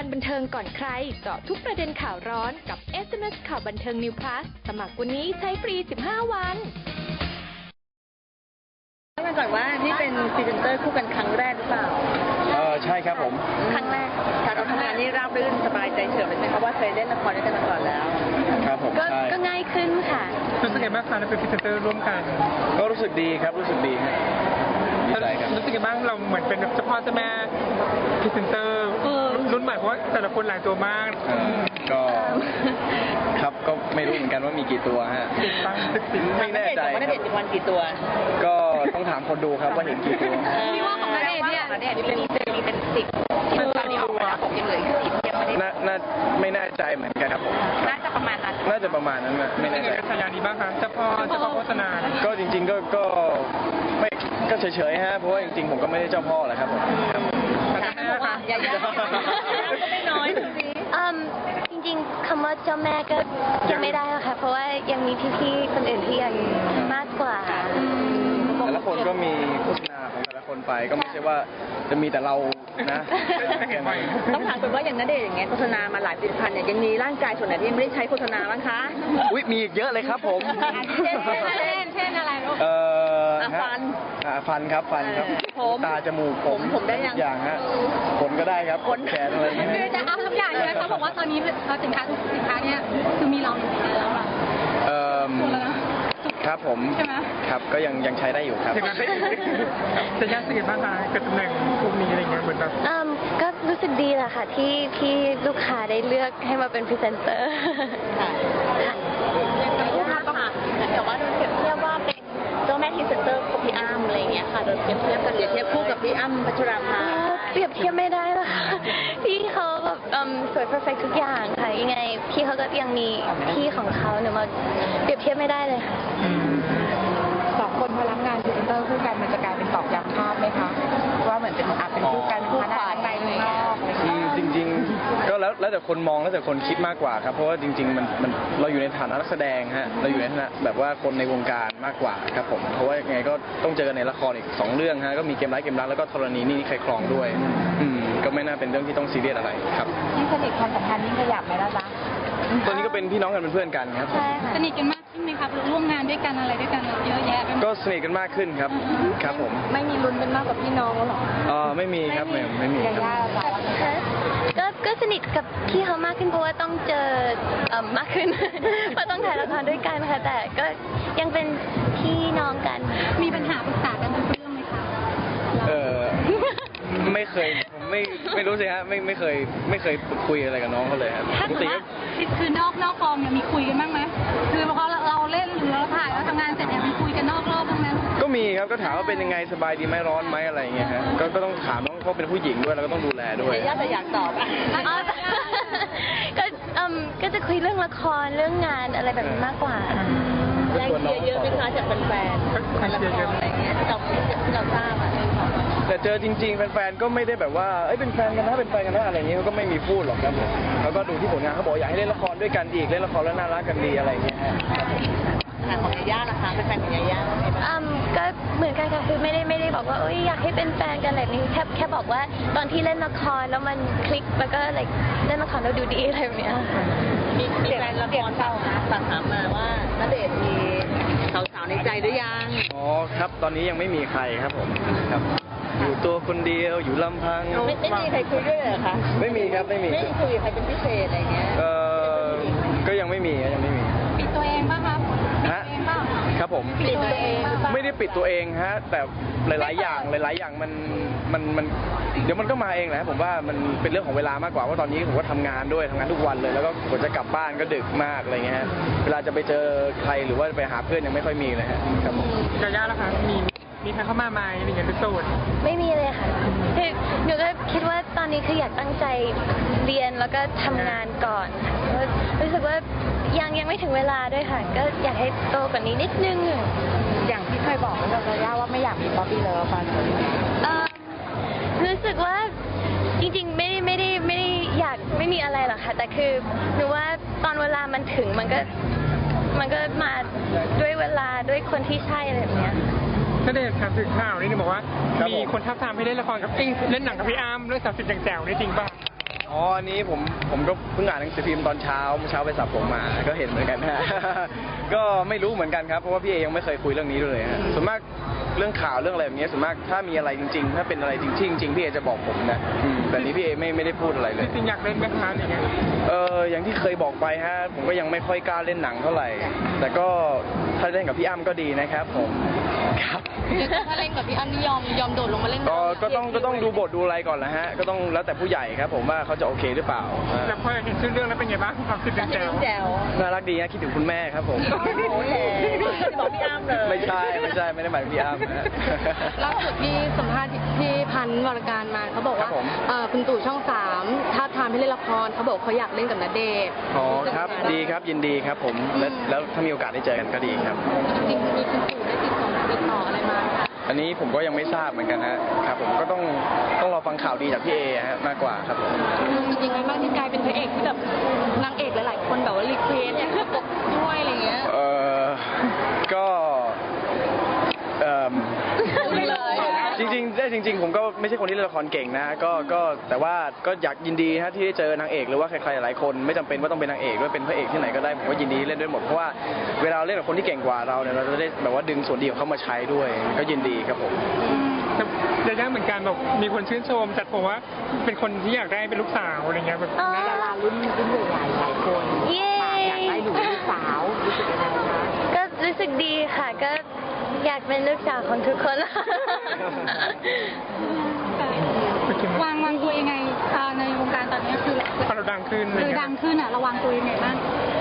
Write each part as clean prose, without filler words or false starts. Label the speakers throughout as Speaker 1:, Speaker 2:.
Speaker 1: การบันเทิงก่อนใครเจาะทุกประเด็นข่าวร้อนกับ SMS ข่าวบันเทิง New Plus สมัครวันนี้ใช้ฟรี 15 วัน
Speaker 2: มาก่อนว่านี่เป็นพรีเซนเตอร์คู่กันครั้งแรกหรือเปล่า
Speaker 3: ใช่ครับผม
Speaker 2: ครั้งแรกการทำงานนี่ราบรื่นสบายใจเฉยเลยใช่ไหมคะว่าเคยเล่นละครด้วยกันมาก่อนแล้ว
Speaker 3: ครับผม
Speaker 1: ก็ง่ายขึ้นค่ะ
Speaker 4: รู้สึกยังไงบ้างคะเป็นพรีเซนเตอร์ร่วมกัน
Speaker 3: ก็รู้สึกดีครับรู้สึกดีครับดีใจครับ
Speaker 4: รู้สึกยังไงบ้างเราเหมือนเป็นเจ้าพ่อเจ้าแม่พรีเซนเตอร์รุ่นใหม่เพราะว่าแต่ละคนหลายตัวมาก
Speaker 3: ก็ครับก็ไม่รู้เหมือนกันว่ามีกี่ตัวฮะไม่แน่ใจ
Speaker 2: ว่าณเดชน์มีวันกี่ตัว
Speaker 3: ก็ต้องถามคนดูครับว่าเห็นกี่ตัว
Speaker 1: พี่ว่าของณเดชน์เนี่ย
Speaker 2: เป็น10ตอนนี้ออกมาแล้วผมยังเหลืออีก10ยังไม่ได้
Speaker 3: ไม่แน่ใจเหมือนกันครับผม
Speaker 2: น่าจะประมาณนั้น
Speaker 3: นะไม่แน่ใจ
Speaker 4: สัญญาดีบ้างคะเจ้าพ่อโฆษณา
Speaker 3: ก็จริงๆก็ไม่ก็เฉยๆฮะเพราะว่าจริงๆผมก็ไม่ได้เจ้าพ่อแหละครับผม
Speaker 2: อย่าก็ไม่น้อย
Speaker 1: จริงๆคำว่าเจ้าแม่ก็ยังไม่ได้หรอกค่ะเพราะว่ายังมีพี่ๆคนอื่นที่ยังมากกว่า
Speaker 3: แต่ละคนก็มีโฆษณาของแต่ละคนไปก็ไม่ใช่ว่าจะมีแต่เรานะ
Speaker 2: ต้องถามคุณว่าอย่างณเดชน์อย่างเงี้ยโฆษณามาหลายผลิตภัณฑ์เนี่ยยังมีร่างกายส่วนไหนที่ยังไม่ได้ใช้โฆษณาบ้างคะ
Speaker 3: อุ๊ยมีอีกเยอะเลยครับผม
Speaker 1: เช่นอะไรลูก
Speaker 3: ฟันครับตาจมูก
Speaker 2: ผมได้
Speaker 3: อย่างฮะขนก็ได้ครับขนแขนอะไรอย่างเงี้ย
Speaker 1: คือจะเอาทุกอย่างเลยเขาบอกว่าตอนนี้สินค้าทุกสินค้าเนี่ยคือมีเราอยู่ในนั้นแล้วล่ะ
Speaker 3: ครับผมครับก็ยังใช้ได้อยู่ครับ
Speaker 4: จะยากสิ่งบ้างคะกับตำแหน่งพวกนี้อะไรเงี้ยเหมือนแบบ
Speaker 1: ก็รู้สึกดีแหละค่ะที่ลูกค้าได้เลือกให้มาเป็นพรีเซนเตอร์
Speaker 2: ค่ะลูกค้าก็มาแต่ว่าโดนเปรียบเทียบว่าเป็นเจ้าแม่พรีเซนเตอร์ของพี่อ้ำอะไรเงี้ยค่ะโดนเปรียบเทียบกันเปรียบเทียบคู่กับพี่อ้ำพัชราภา
Speaker 1: เปรียบเทียบไม่ได้หรอกพี่เขาแบบสวยเพอร์เฟกทุกอย่างค่ะยังไงพี่เขาก็ยังมีพี่ของเขาเนี่ยมาเปรียบเทียบไม่ได้เลยค่ะ
Speaker 2: 2 คนพอรับงานพรีเซนเตอร์คู่กันมันจะกลายเป็นตอกย้ำภาพไหมคะว่าเหมือนเป็นคู่กันคู่ขวาในนอก
Speaker 3: จริงๆก็แล้วแต่คนมองแล้วแต่คนคิดมากกว่าครับเพราะว่าจริงๆมันเราอยู่ในฐานะนักแสดงฮะเราอยู่ในฐานะแบบว่าคนในวงการมากกว่าครับผมเพราะว่าไงก็ต้องเจอในละครอีก2 เรื่องฮะก็มีเกมร้ายเกมรักแล้วก็ธรณีนี่ใครครองด้วยก็ไม่น่าเป็นเรื่องที่ต้องซีเรียสอะไรครับ
Speaker 2: ยิ่งสนิทความสัมพันธ์ยิ่งขยับไหมล่ะจ๊ะ
Speaker 3: ตอนนี้ก็เป็นพี่น้องกันเป็นเพื่อนกันครับ
Speaker 1: สนิทกันมากขึ้นไหมครับร่วมงานด้วยกันอะไรด้วยกันเยอะแยะ
Speaker 3: ก็สนิทกันมากขึ้นครับผม
Speaker 1: ไม่มีลุ้นเป็นมากกว่าพี่น้องหรอ
Speaker 3: ไม่มีครับไม่มี
Speaker 1: ก็สนิทกับพี่เขามากขึ้นเพราะว่าต้องเจอมากขึ้นเพราะต้องถ่ายละครด้วยกันค่ะแต่ก็ยังเป็นพี่น้องกันมีปัญหาปรึกษากันทุกเรื่องไหมคะ
Speaker 3: ไม่เคยผมไม่รู้สิฮะไม่เคยคุยอะไรกับน้องเขาเลยครับ
Speaker 1: ปกติคือนอกกองเนี่ยมีคุยกันบ้างไหมคือพอเราเล่นหรือเราถ่ายแล้วทำงานเสร็จเนี่ยมีคุยกันนอกรอบบ้างไหม
Speaker 3: ก็มีครับก็ถามว่าเป็นยังไงสบายดีไหมร้อนไหมอะไรอย่างเงี้ยฮะก็ต้องถามน้องเขาเป็นผู้หญิงด้วยแล้วก็ต้องดูแลด้วย
Speaker 2: แต่อยากตอบ
Speaker 1: ก็จะคุยเรื่องละครเรื่องงานอะไรแบบนี้มากกว่า
Speaker 2: แรงเชียร์เยอะไหมคะจากแฟนๆละครอะไรเงี้ยที่เราทราบ
Speaker 3: แต่เจอจริงๆแฟนๆก็ไม่ได้แบบว่าเป็นแฟนกันนะอะไรเงี้ยเขาก็ไม่มีพูดหรอกครับผมเขาก็ดูที่ผลงานเขาบอกอยากให้เล่นละครด้วยกันอีกเล่นละครแล้วน่ารักกันดีอะไรเงี้ย
Speaker 2: ของยาย่าล่ะคะเป็นแฟนของยาย่า
Speaker 1: ก็เหมือนกันค่ะคือไม่ได้บอกว่าอยากให้เป็นแฟนกันอะไรนี้แค่บอกว่าตอนที่เล่นละครแล้วมันคลิกแล้วก็เล่นละครแล้วดูดีอะไรแบบนี้
Speaker 2: มีแฟนละครเก่าฝากถามมาว่าณเดชน์มีสาวๆในใจหรือยัง
Speaker 3: ครับตอนนี้ยังไม่มีใครครับผมครับอยู่ตัวคนเดียวอยู่ลำพัง
Speaker 2: ไม่มีใครคุยด้วยเหรอคะ
Speaker 3: ไม่มีครับไม่
Speaker 2: คุยใครเป็นพิเศษอะไรเงี้ย
Speaker 3: ก็ยังไม่มี
Speaker 1: ปิดตัวเองป่ะครับ
Speaker 3: ครับผม
Speaker 1: ปิดตัวเอง
Speaker 3: ไม่ได้ปิดตัวเองฮะแต่หลายๆอย่างมันเดี๋ยวมันก็มาเองแหละผมว่ามันเป็นเรื่องของเวลามากกว่าว่าตอนนี้ผมก็ทำงานทุกวันเลยแล้วก็กว่าจะกลับบ้านก็ดึกมากอะไรเงี้ยฮะเวลาจะไปเจอใครหรือว่าไปหาเพื่อนยังไม่ค่อยมีเลยฮะครับผม
Speaker 4: ยาย่าล่ะคะมีใครเข้ามาไหมอะไรเงี้ยเป็นโสด
Speaker 1: ไม่มีเลยค่ะคือหนูก็คิดว่าตอนนี้คืออยากตั้งใจเรียนแล้วก็ทำงานก่อนค่ะรู้สึกว่ายังไม่ถึงเวลาด้วยค่ะก็อยากให้โตกว่านี้นิดนึง
Speaker 2: อย่างที่เคยบอกกับยาย่าว่าไม่อยากมีป๊อปปี้เลิฟค่ะ
Speaker 1: รู้สึกว่าจริงๆไม่ได้อยากไม่มีอะไรหรอกค่ะแต่คือหนูว่าตอนเวลามันถึงมันก็มาด้วยเวลาด้วยคนที่ใช่อะไรแบบเนี้ย
Speaker 4: ณเดชน์ถามถึงข่าวนี่บอกว่ามีคนทับทามให้เล่นละครกับเล่นหนังกับพี่อ้ำเรื่อง30 อย่างแจ๋วนี่จริงป่ะ
Speaker 3: อ๋ออันนี้ผมก็เพิ่งอ่านหนังสือพิมพ์ตอนเช้าไปสระผมมาก็เห็นเหมือนกันฮะ ก็ไม่รู้เหมือนกันครับเพราะว่าพี่เอยังไม่เคยคุยเรื่องนี้ด้วยเลยฮะส่วนมากเรื่องข่าวเรื่องอะไรแบบนี้ส่วนมากถ้ามีอะไรจริงๆถ้าเป็นอะไรจริงพี่เอจะบอกผมนะแต่นี้พี่เอไม่ได้พูดอะไรเลย
Speaker 4: จริงๆอยากเล่นไหมคะอย่างเงี้ย
Speaker 3: อย่างที่เคยบอกไปฮะผมก็ยังไม่ค่อยกล้าเล่นหนังเท่าไหร่แต่ก็ถ้าเล่นกับพี่อ้ำก็ดีนะครับผมครับ
Speaker 2: ถ้าเล่นกับพี่อ้ำนี่ยอมโดดลงมาเล่น
Speaker 3: ก็ต้องดูบทดูอะไรก่อนนะฮะก็ต้องแล้วแต่ผู้ใหญ่ครับผมว่าเขาจะโอเคหรือเปล่า
Speaker 4: แล้วพอเห็นชื่อเรื่องแล้วเป็นไงบ้างความคิดเป็นแจว
Speaker 2: แจ๋ว
Speaker 3: น่ารักดีนะคิดถึงคุณแม่ครับผม
Speaker 2: โอ้โหบอกพี่อ้ำเลย
Speaker 3: ไม่ใช่ไม่ได้หมายถึงพี่อ้ำนะ
Speaker 5: ล่าสุดที่สัมภาษณ์ที่พันธ์วรการมาเขาบอกว่า
Speaker 3: ครับผม
Speaker 5: คุณตู่ช่อง3ท้าบทามให้เล่นละครเขาบอกเขาอยากเล่นกับณเดชน์
Speaker 3: อ๋อครับดีครับยินดีครับผมแล้วถ้ามีโอกาสได้เจอกันก็ดีครับ
Speaker 5: จริงๆมีคุณตู่ได้ติดต่ออะไรมาไหมคะ
Speaker 3: อันนี้ผมก็ยังไม่ทราบเหมือนกันฮะครับผมก็ต้องรอฟังข่าวดีจากพี่เอฮะมากกว่าครับผม
Speaker 5: จริงๆไงบ้างที่กลายเป็นพระเอกที่แบบนางเอกหลายๆคนแบบว่ารีเควสอยากจะตกด้วยอะไรเงี้ย
Speaker 3: ก็
Speaker 5: ไม่เลย
Speaker 3: จริงผมก็ไม่ใช่คนที่เล่นละครเก่งนะก็แต่ว่าก็อยากยินดีฮะที่ได้เจอนางเอกหรือว่าใครๆหลายคนไม่จำเป็นว่าต้องเป็นนางเอกด้วยเป็นพระเอกที่ไหนก็ได้ผมก็ยินดีเล่นด้วยหมดเพราะว่าเวลาเล่นกับคนที่เก่งกว่าเราเนี่ยเราจะได้แบบว่าดึงส่วนดีของเขามาใช้ด้วยก็ยินดีครับผม
Speaker 4: แต่ย่าเหมือนกันแบบมีคนชื่นชมจัดผมว่าเป็นคนที่อยากได้เป็นลูกสาวอะไรเงี้ยแบบ
Speaker 1: อ๋อ
Speaker 2: ดารารุ่นใหญ่หลายคน
Speaker 1: เย้
Speaker 2: อยากได้หนูลูกสาวรู้สึกยังไงคะ
Speaker 1: ก็รู้สึกดีค่ะก็อยากเป็นลูกสาวของทุกคน
Speaker 5: วางตัวยังไงในวงการตอนนี้คือ
Speaker 4: พอเราดังขึ้น
Speaker 5: คือดังขึ้นอ่ะระวังตัวยังไงบ้าง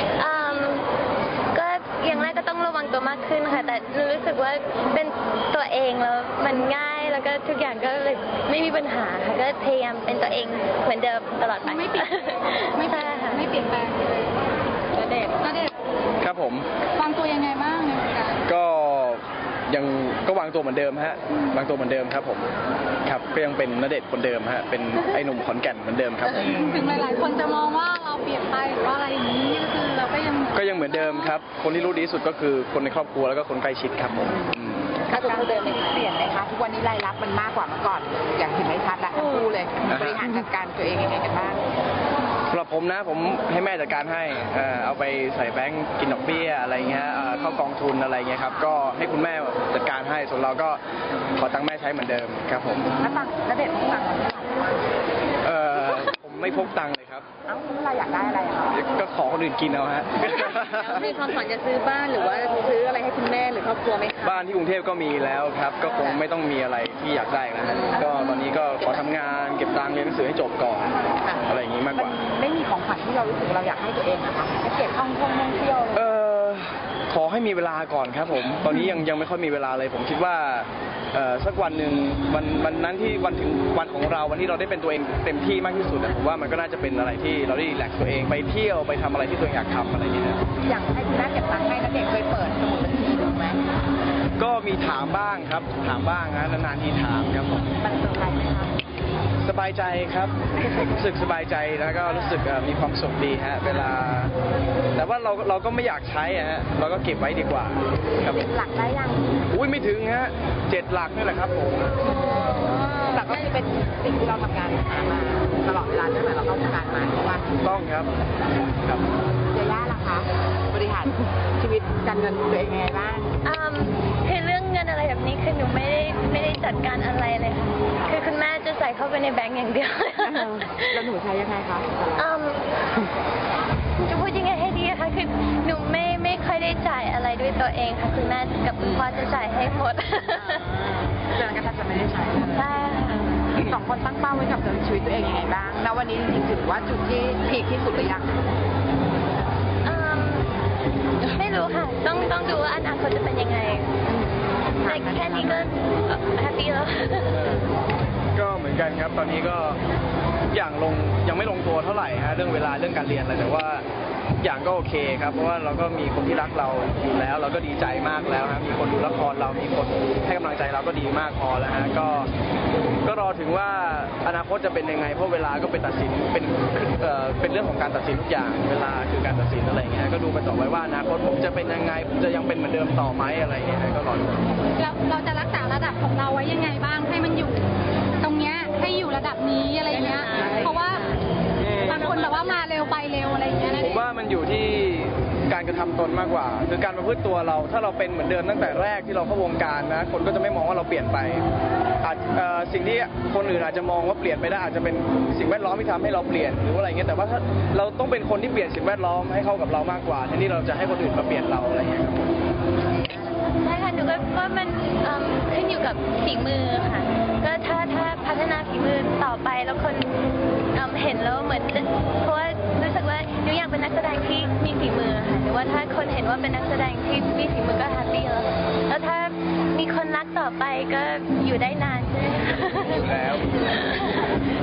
Speaker 1: ก็อย่างแรกก็ต้องระวังตัวมากขึ้นค่ะ แต่รู้สึกว่าเป็นตัวเองแล้วมันง่ายแล้วก็ทุกอย่างก็เลยไม่มีปัญหาค่ะก็พยายามเป็นตัวเองเหมือนเดิมตลอดไป
Speaker 5: ไม่เปลี่ยน
Speaker 1: ไม่ใช่ค่ะ
Speaker 5: ไม่เปลี่ยนแปลงเลยณเดชน์
Speaker 3: ครับผม
Speaker 5: วางตัวยังไงบ้างในวงการ
Speaker 3: ก็ยังก็วางตัวเหมือนเดิมฮะวางตัวเหมือนเดิมครับผมครับก็ยังเป็นณเดชน์คนเดิมฮะเป็นไอ้หนุ่มขอนแก่นเหมือนเดิมครับ
Speaker 5: ถึงหลายๆคนจะมองว่าเราเปลี่ยนไปหรือว่าอะไรอย่างนี้ก็คือเราก็ยัง
Speaker 3: เหมือนเดิมครับคนที่รู้ดีที่สุดก็คือคนในครอบครัวแล้วก็คนใกล้ชิดครับผม
Speaker 2: ถ้าตัวเดิมเปลี่ยนไหมคะทุกวันนี้รายรับมันมากกว่าเมื่อก่อนอย่างเห็นได้ชัดละทั้งคู่เลยบริหารจัดการตัวเองยังไงกันบ้าง
Speaker 3: สำหรับผมนะผมให้แม่จัดการให้เอาไปใส่แบงก์กินดอกเบี้ยอะไรเงี้ยเข้ากองทุนอะไรเงี้ยครับก็ให้คุณแม่จัดการให้ส่วนเราก็ขอตังค์แม่ใช้เหมือนเดิมครับผม
Speaker 2: แล้วตังค์ณเดชน์ตังค์
Speaker 3: ผมไม่พกตังค์เลยครับ
Speaker 2: เอ้าเราอยากได้อะไรอะคะ
Speaker 3: ก็ขอคนอื่นกินเอาฮะ
Speaker 2: มีความฝันจะซื้อบ้านหรือว่าซื้ออะไรให้คุณแม่หรือครอบครัวไหมคะ
Speaker 3: บ้านที่กรุงเทพก็มีแล้วครับ ก็คงไม่ต้องมีอะไรที่อยากได้นะฮะก็ตอนนี้ก็ขอทำงานเก็บตังค์เรียนหนังสือให้จบก่อนอะไรอย่างนี้มากกว่า
Speaker 2: ไม่มีของขวัญที่เรารู้สึกเราอยากให้ตัวเองอะคะให้เก็บท่องเที่ยวเลย
Speaker 3: ขอให้มีเวลาก่อนครับผม ตอนนี้ยังไม่ค่อยมีเวลาเลย ผมคิดว่าสักวันหนึ่งวันนั้นที่วันถึงวันของเราวันที่เราได้เป็นตัวเองเต็มที่มากที่สุดผมว่ามันก็น่าจะเป็นอะไรที่เราได้รีแลกซ์ตัวเองไปเที่ยวไปทำอะไรที่ตัวเองอยากทำอะไรอย่างเงี้ย
Speaker 2: อยากให้คุณแม่เก็บตังค์ให้ณเดชน์เคยเปิดสมุดบัญชีดูไหม
Speaker 3: ก็มีถามบ้างครับถามบ้างนะนานๆทีถามครับผม
Speaker 2: มันเซอร์ไพรส์ไหมคะ
Speaker 3: สบายใจครับรู้สึกสบายใจแล้วก็รู้สึกมีความสุขดีฮะเวลา แต่ว่าเราก็ไม่อยากใช้ฮะเราก็เก็บไว้ดีกว่าครับผม
Speaker 2: หลักได้ยัง
Speaker 3: อุ้ยไม่ถึงฮะ7 หลักนี่แหละครับผม
Speaker 2: หลักก็คือเป็นสิ่งที่เราทำงานหามาตลอดเวลาตั้งแต่เราเข้าวงการมาใช่ปะ
Speaker 3: ถูกต้องครับครับ
Speaker 2: เจย่าล่ะคะบริหารชีวิตการเงินตัวเองยังไงบ้าง
Speaker 1: คือเรื่องเงินอะไรแบบนี้คือหนูไม่ได้จัดการอะไรเลยค่ะคือคุณแม่จะใส่เข้าไปในแบงก์อย่างเดียว
Speaker 2: แล้วหนูใช้ยังไงคะ
Speaker 1: จะพูดยังไงให้ดีอะคะคือหนูไม่ค่อยได้จ่ายอะไรด้วยตัวเองค่ะคุณแม่กับคุณพ่อจะจ่ายให้หมด
Speaker 2: เดือนกันจะไม่ได้ใช้เลย
Speaker 1: ใช่ค่ะ
Speaker 2: สองคนตั้งเป้าไว้กับชีวิตตัวเองยังไงบ้างณวันนี้จริงๆถือว่าจุดที่พีคที่สุดหรือยัง
Speaker 1: ไม่รู้ค่ะต้องดูว่าอนาคตจะเป็นยังไงแต่แค่นี้ก็แฮปปี้แล้ว
Speaker 3: ก็เหมือนกันครับตอนนี้ก็ทุกอย่างยังไม่ลงตัวเท่าไหร่ฮะเรื่องเวลาเรื่องการเรียนอะไรแต่ว่าทุกอย่างก็โอเคครับเพราะว่าเราก็มีคนที่รักเราอยู่แล้ว เราก็ดีใจมากแล้วฮะมีคนดูละครเรามีคนให้กำลังใจเราก็ดีมากพอแล้วฮะก็รอถึงว่าอนาคตจะเป็นยังไงเพราะเวลาก็เป็นตัดสินเป็นเรื่องของการตัดสินทุกอย่างเวลาคือการตัดสินอะไรอย่างเงี้ยก็ดูกันต่อไปว่าอนาคตผมจะเป็นยังไงผมจะยังเป็นเหมือนเดิมต่อไหมอะไรอย่างเงี้ยก็รอดู
Speaker 5: เราจะรักษาระดับของเราไว้ยังไงบ้างให้มันอยู่ตรงเนี้ยให้อยู่ระดับนี้อะไรเงี้ยเพราะว่า
Speaker 3: การกระทำตนมากกว่า คือการประพฤติตัวเราถ้าเราเป็นเหมือนเดิมตั้งแต่แรกที่เราเข้าวงการนะคนก็จะไม่มองว่าเราเปลี่ยนไปสิ่งที่คนอื่นอาจจะมองว่าเปลี่ยนไปได้อาจจะเป็นสิ่งแวดล้อมที่ทำให้เราเปลี่ยนหรือว่าอะไรเงี้ยแต่ว่าถ้าเราต้องเป็นคนที่เปลี่ยนสิ่งแวดล้อมให้เข้ากับเรามากกว่าแทนที่เราจะให้คนอื่นมาเปลี่ยนเราอะไรเงี้ยครับ
Speaker 1: ใช่ค่ะหนูก็ว่ามันขึ้นอยู่กับฝีมือค่ะ ก็ถ้าพัฒนาฝีมือต่อไปแล้วคนเห็นแล้วเหมือนเพราะว่ารู้สึกว่าหนูอยากเป็นนักแสดงที่มีฝีมือค่ะหรือว่าถ้าคนเห็นว่าเป็นนักแสดงที่มีฝีมือก็แฮปปี้แล้วแล้วถ้ามีคนรักต่อไปก็อยู่ได้นานใช่ไหมคะ
Speaker 3: อยู่แล้ว